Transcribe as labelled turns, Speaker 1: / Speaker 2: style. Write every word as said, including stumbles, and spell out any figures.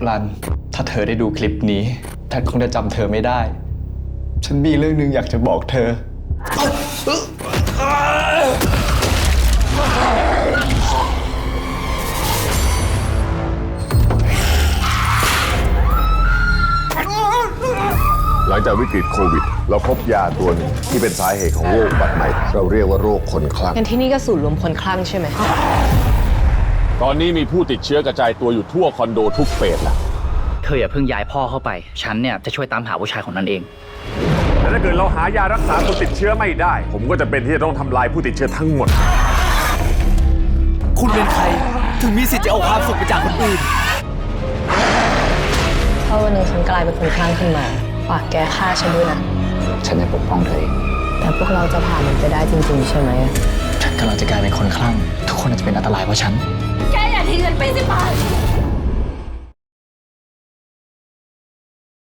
Speaker 1: รันถ้าเธอได้ดูคลิปนี้เธอคงจะจำเธอไม่ได้ ฉันมีเรื่องหนึ่งอยากจะบอกเธอ
Speaker 2: หลังจากวิกฤตโควิดเราพบยาตัวหนึ่งที่เป็นสาเหตุของโรคบัดใหม่เราเรียกว่าโรคคนคลั่ง
Speaker 3: งั้นที่นี่ก็ศูนย์รวมคนคลั่งใช่ไหม
Speaker 4: ตอนนี้มีผู้ติดเชื้อกระจายตัวอยู่ทั่วคอนโดทุกเฟสแล้ว
Speaker 5: เธออย่าเพิ่งย้ายพ่อเข้าไป ฉันเนี่ยจะช่วยตามหาผู้ชายคนนั้นเอง
Speaker 2: แต่ถ้าเกิดเราหายารักษาคนติดเชื้อไม่ได้ ผมก็จะเป็นที่จะต้องทำลายผู้ติดเชื้อทั้งหมด
Speaker 6: คุณเป็นใครถึงมีสิทธิ์จะเอาความสุขไปจากคนอื่น
Speaker 3: ถ้าวันหนึ่งฉันกลายเป็นคนคลั่งขึ้นมาฝากแกฆ่าฉันด้วยนะ
Speaker 5: ฉันจะปกป้องเธอเอง
Speaker 3: แต่พวกเราจะผ่านมันไปได้จริงๆใช่ไหม
Speaker 1: ฉันกำลังจะกลายเป็นคนคลั่งทุกคนอาจจะเป็นอันตรายเพราะฉัน
Speaker 7: แกอย่าทิ้งฉันไปสิปาน